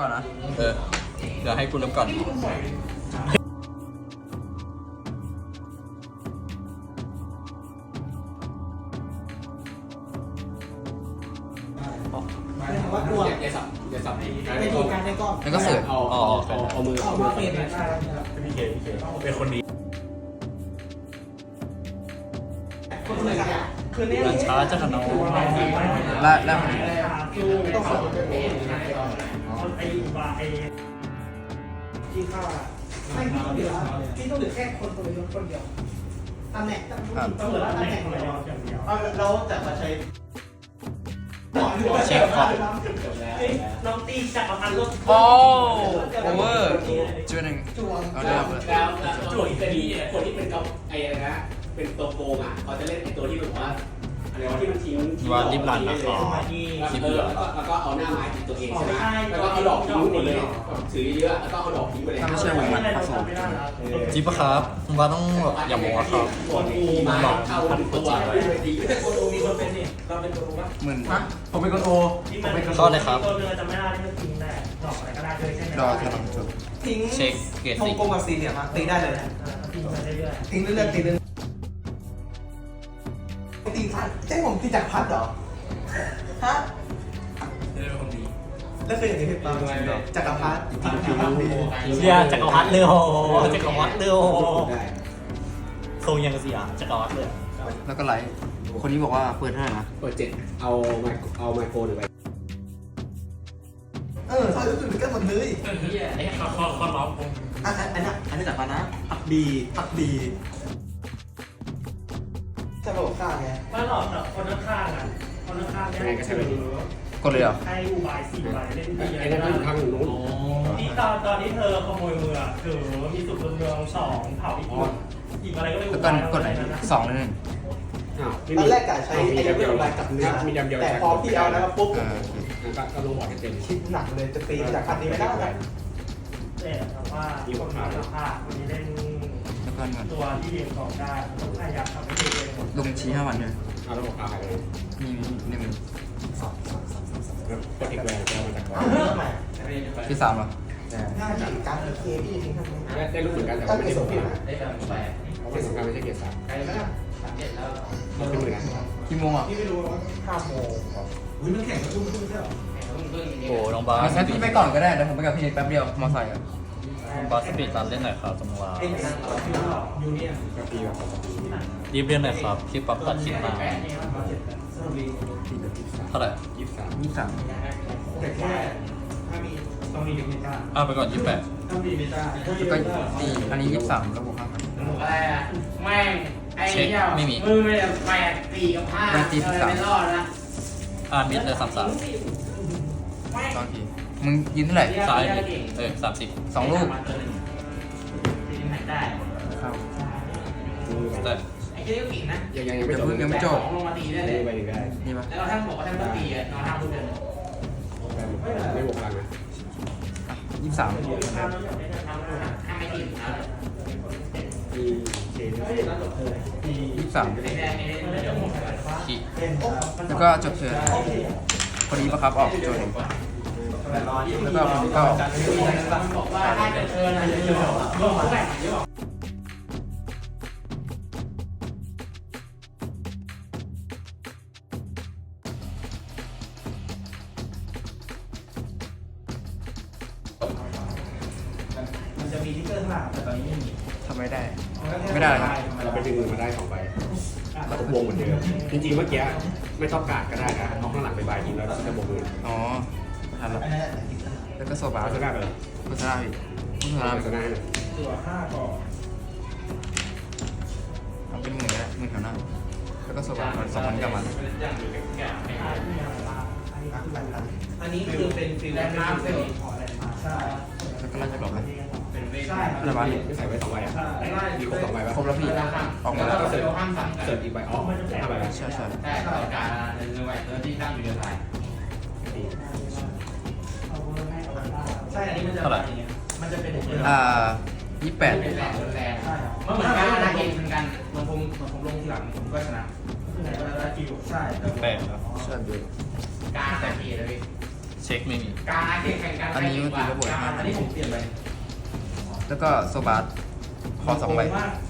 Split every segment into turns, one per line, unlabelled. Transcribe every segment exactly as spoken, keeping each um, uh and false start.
ก่อนนะ
เออเดี๋ยวให้กูเริ่มก่อน
ว่ากลัวอย่าสับอย่าสับไม่ดีการไม่ก้อน
แล้วก็เสิร์ฟ
อ๋อ
เอาเอามือเอามือเป็นพี่เคพี่เคเป็นคนดี
มันช้าจะขนม
และและ
ต้องสอนไอ้บาไอ้ที่ข้าไม่พี่ต้องเหลือพี่ต้องเหลือแค่คนตัวเดียวคนเดียวตำแหน่งต้องเหลือตำแหน่งคนเดียวเราจะมาใช้
เช็คก่อน
น้องตีจับประพันธ์รถ
โอ้โอเวอร์จุดหนึ่งเอาเลยครับ
แล้วจุดจะมีคนที่เป็นกับไอ้อะไรนะเป็นตัวโกงอ่ะเขาจะเล่นไอ้ตัวที่แบบว่าอะไรวะที่มันทิ้ง
ว่าริบลันนะอ๋อ
ที่เบื่อแล้วก็แล้วก็เอาหน้าไม้ทิ้งตัวเองใช่ไหมแล้วก็เอาดอกทิ้งหมดเลยถือเยอะแล้วก็เอาดอกทิ้งไปเลย
ถ้าไม่ใช่วงมันผสม
จีบปะครับคุณบ้าต้องอย่าโมงอะครับ
มันหลอกเข้าตัวแต่คนโอมีคนเป็นนี่เราเป็นคนโอปะ
หมื่น
ผมเป็นคนโอ
เข้าเลยครับ
ตัวเรือจะไม่ได้ที่มันทิ้งได้ดอกอะไรก็ได้เลยใช่ไหม
ดอกกำลังจุด
ทิ้ง
เช็คเกต
ทงกลมกับสี่เหลี่ยมตีได้เลยทิ้งเรื่อยๆทิ้งเรื่อยๆตีเรื่อยตีพัดใช่ผมตีจากพัดเหรอฮะแล้วเคยเห็นในเพจปาจักรพรรดิ
เชียจักรพรรดิเลยโหจักรพรรดิเลยโหทรงยังเสียจักรพรรดิเลย
แล้วก็ไลท์คนนี้บอกว่าเปิดเท่าไหร่นะ
เปิดเจ็ดเอาไมเอาไมโครหรือไป
เออใช่รู้สึกเหมือนกันหมดเลย
ไอ้ข้อข้อข้อร้องผม
อันอันนี้อันนี้จักรพรรดินะผักดีผักดีจะบอกข้าไงไม่หรอกคนข้างอ่ะคนข้างเนี่ยก็ใช่แบบนี้
กดเลยเหรอ
ให้อุบายสี่ใบเล่นดี
ไอ้นั่นอยู่ข้างนู้น
ที่ตอนตอนที่เธอขโมยมือคือมีสุดเมืองสองเผาอีกคนอีกอะไรก็ไม่รู้
แล้วกันกดไหนสองเลยหนึ่ง
ตอนแรกกะใช้ไอ้เดียวอะไรกับเนื้อ
มีดำเดียว
แต่พอพี่เอาแล้วปุ๊บ
ก็ก็ลงบอร์ดเต็ม
คิดหนักเลยจะตีจากคันนี้ไม่ได้แต่ว่าที่ผมมาแล้วค่ะวันนี้เล่นตัวที่เรียนของได้ต้องพยายามทำให้เอง
ลงชี้ห้าวันเลย
เอาแล้วบอกเอาไปเลย
มีหนึ่ง
สองสองสองสองกดอีกแหวนจะมาจากก่อน
ที่สามเหรอ
ง่ายจังการเคพี่ทิ้งทำไม
ได้รู้เหมือนกันแต่
ว่าไม่ได้ส่งพี่นะ
ได้การแหวนเกียรติสำคัญไม่ใช่เกียรติสาม
ใครไม่ได้สามเจ็ดแล้ว
มันเป็นหมื่น
กี่โมงอ่ะ
พี่ไม่รู้ว่าห้าโมงอุ้ยมันแข่งกันทุ่มทุ่มใช่หรอ
โอ้น้องบาส
งั้นพี่ไปก่อนก็ได้เดี๋ยวผมไปกับพี่แป๊บเดียวมอไซค์อ่ะ
บาสปีดรันเล่นหน่อยครับจังหวะ
ยูเนียน
ก็ปีแบบ
รีบเล่นหน่อยครับที่ปรับตัดคลิปมาเท่าไหร่
ยี่สิบสาม
ยี่สิบสาม
แต่แค่ถ้ามีต้องมีเมตา
อ่ะไปก่อนยี่สิบแปด
ต้องมีเมตา
แล้วก็ตีอันนี้ยี่สิบสามแล้วบวกห้าพัน
อะไรอ่ะแม่งไอ้เหี้ย
ไม่มี
มือไม่ได้แปดตีกับห้าไม่รอดนะ
อ่ามิดเลยสามสาม
ตอนทีมึงยินเท่าไหร่
ซ้ายเออสามสิบ
สองลูก
ได้
เข้า
แต่
ไอ้เจ้ากิ่งนะ
ยังยังไม่จบยังไม่จบ
ลงมาตีได้เลย
นี่ปะ
แล้วเราท่านบอกว่าท่านต้องตีอ่ะนอนท่าพูดกันไม่บวกพลังนะ
ยี่สิบสาม
ถ้าไม่ตีนะมีเชน
ยี่สิบสามขีแล้วก็จบเชิญพอดีปะครับออกโจนแล้วก็ผมก็
บอกว่าถ้าจะเชิญอะไรจะอยู่ร่วมกันมันจะมีทิกเกอร์ข้างหลังแต่ตอนนี้ไม่มี
ทำไม่ได้ไม่ได้ครับ
เราไปดึงมือมาได้สองใบเราก็วงเหมือนเดิมจริงๆเมื่อกี้ไม่ต้องการก็ได้นะเอาข้างหลังไปใบยิงแล้วจะบวกมือ
อ๋อทันแล้วแล้วก็โซบา
จะได้ไปเลย
โฆษณาอีกโฆษณาโฆษณา
เลย
ตัวห้าก่อน
ทำเป็นหมื่นแล้วหมื่นแถวหน้าแล้วก็โซบาสองพันกว่ามัน
อันนี้คือเป็นฟิลแลนด์มาร์คเลยใช่
แล้วก็ไล่จะกลับไหม
ใช่
อะไรบ้าง
ไม่ใส่ไว้สองใบอ่ะมีครบสองใบป่ะ
ครบแล้วพี่ออกมาแล้ว
ก็เสิร์ฟเสิร์ฟอีกใบอ๋อห้าใบ
ใช่ใช่
ใช่ต่อการหนึ่งใบตัวที่ตั้งอยู่ในสายใช่อันนี้มันจะมันจะเป็น
อ่ายี่สิบแปด
เป็นแรงแรงมันเหมือนกันนะเองเหมือนกันมันผมผมลงทีหลังผมก็ชนะ
ใช่
แปดครับ
ใช่เยอะ
การแต่ทีเลย
เช็ช็คไม่มี
การแข่งกัน
อันนี้ก็ตีระเบิดห้า
อันนี้ผมเปลี่ยนไป
แล้วก็โซบาร์คอสองใบ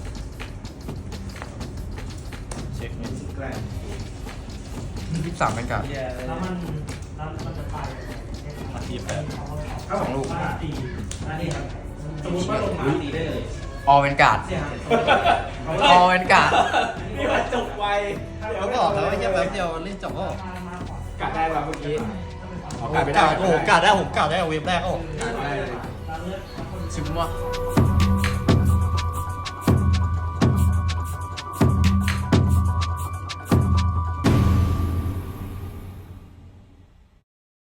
เช็คไม่มี
แกรน
ยี่สิบสามเป็นการ์ด
แล้วมันแล้วมันจะไป
มาทีแปด
สองลูก
ตีอันนี้ครับ
สมมติว่าลงมาตีได้เลย
ออเป็นการ์ด
เสียหาย
ออเป็นการ์ด
นี่มันจบไวเดี๋ยวบอกแล้วว่าแค่แป๊บเดียวเล่นจบก็
กาดได้ป่ะเมื่อกี้อ๋อกาดไม่
ก
ได้
าดโอ้โหกาดได้ผมกาดได้เวฟแรกโอ้
ชิมวะ